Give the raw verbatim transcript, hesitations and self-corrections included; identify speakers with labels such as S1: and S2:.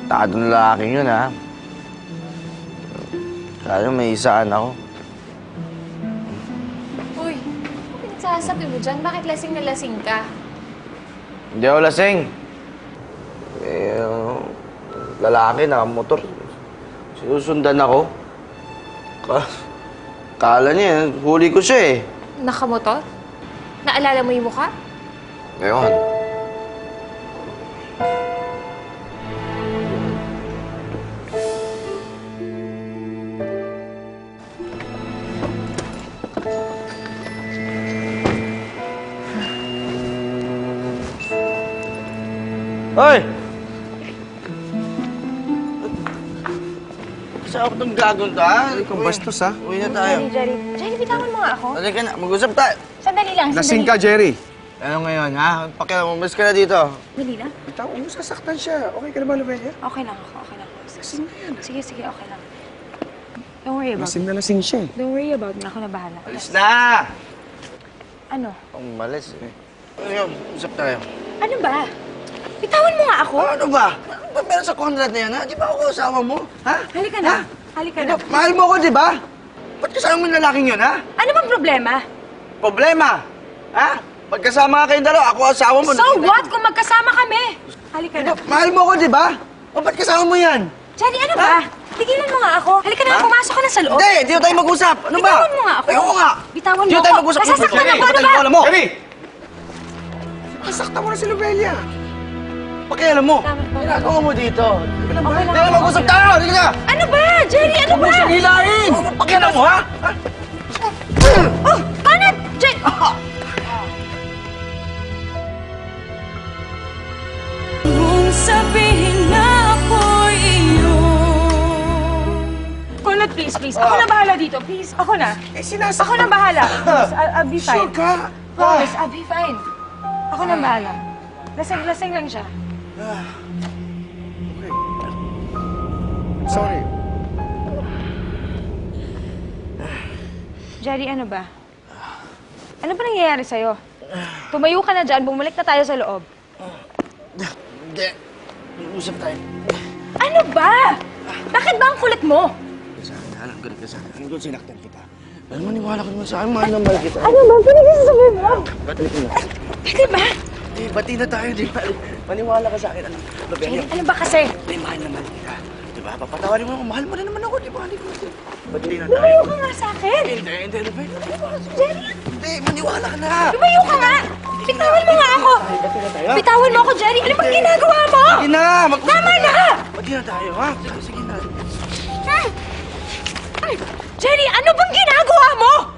S1: Tarantadong lalaking yun, ha? Kaya may isaan ako.
S2: Uy, ano pinagsasabi mo dyan? Bakit lasing na lasing ka?
S1: Hindi ako lasing. Eh, uh, lalaki, nakamotor. Sinusundan ako. Ka Kala niya, huli ko siya eh.
S2: Nakamotor? Naalala mo yung mukha?
S1: Ngayon. Hoy! Kasi ako itong gagawin to, ha?
S3: Ikaw bastos, ha?
S1: Uwi na tayo.
S2: Jerry, Jerry. Jerry, bitawan mo nga ako.
S1: Halika na, mag-usap tayo.
S2: Sandali lang, sandali.
S3: Lasing ka, Jerry.
S1: Ano ngayon, ha? Pakialam, umalis ka na dito.
S2: Dali na.
S3: Ikaw, mo sasaktan siya. Okay ka na ba, Lubelia?
S2: Okay lang ako, okay lang ako.
S3: Lasing na yan.
S2: Sige, sige, okay lang. Don't worry about
S3: Lasing
S2: me.
S3: na lasing siya eh.
S2: Don't worry about me. Ako na bahala.
S1: Alis na!
S2: Ano?
S1: Umalis eh. Ano, usap tayo.
S2: Ano ba? Bitawan mo nga ako.
S1: Ano ba? Ano ba meron sa Conrad na yan, ha? Di ba ako kasama mo? Ha?
S2: Halika na.
S1: Ha?
S2: Halika
S1: Di
S2: na.
S1: ba, mahal mo ako, di ba? Ba't kasama mo yung lalaking yun, ha?
S2: Ano bang problema?
S1: Problema! Ha? Pagkasama ka kayong dalawa, ako asawa mo.
S2: So
S1: nakita-
S2: what kung magkasama kami? Halika
S1: Di
S2: na.
S1: ba, mahal mo ako, di ba? O, ba't kasama mo yan?
S2: Jenny, ano ba? Tigilan mo nga ako. Halika na,
S1: Ha?
S2: pumasok ka na sa loob.
S1: Hindi, di tayo mag-usap. Ano ba?
S2: Bitawan mo nga ako.
S1: Ayoko nga.
S2: Bitawan mo
S1: Di
S2: ako.
S1: tayo mag-usap.
S2: Nasasaktan
S1: Jerry,
S2: ako, ano
S1: ba't
S2: ba?
S1: alam mo?
S3: Jerry! Nasaktan mo na si Lubelia.
S1: Pakialam mo.
S2: Tama, tama.
S1: Ginagawa mo dito.
S2: Okay lang,
S1: Hindi na
S2: okay
S1: mag-usap
S2: lang.
S1: tayo. Hindi ka.
S2: Ano ba? Jerry, ano ba?
S1: Hilahin! Pakialam mo, ha? Ha?
S2: Oh, Conrad! Jerry!
S4: Kung sabihin na ako'y iyo.
S2: Conrad, please, please. Ako na bahala dito. Please, ako na.
S3: Eh, sinasaktan.
S2: Ako na bahala. Please, I'll, I'll be fine.
S3: Sure ka?
S2: Promise, I'll be fine. Ako na bahala. Lasing-lasing lang siya.
S3: Okay. Sorry.
S2: Jerry, ano ba? Ano ba nangyayari sa'yo? Tumayo ka na dyan, bumalik na tayo sa loob.
S1: Hindi. Mag-usap tayo.
S2: Ano ba? Bakit ba ang kulit mo?
S1: Sa akin, alam ko rin ka sa akin. Alam ko sinaktan kita. Alam mo, maniwala ko naman sa akin. Mahal na mahal kita.
S2: Ano ba? Pinagsasabi mo?
S1: Ba't ko na?
S2: Pwede ba?
S1: Eh, bati na tayo, di ba? Maniwala ka sa akin. Ano,
S2: Jerry,
S1: Lobelia,
S2: ano ba kasi?
S1: may mahal na mahal kita. Di ba? Papatawarin mo ako. Mahal mo na naman ako, di ba? Hindi ko na. Bati na tayo.
S2: Lumayo ka nga sa akin.
S1: Hindi, hindi, Lobelia.
S2: Jerry,
S1: Hindi, maniwala ka na.
S2: lumayo ka nga. Bitawan mo nga ako.
S1: Bati na tayo.
S2: Bitawan mo ako, Jerry. Ano bang ginagawa mo?
S1: Sige na, mag-usap
S2: Tama
S1: tayo.
S2: na!
S1: Bati na tayo, ha? Sige, sige na.
S2: Hmm. Ay, Jerry, ano bang ginagawa mo?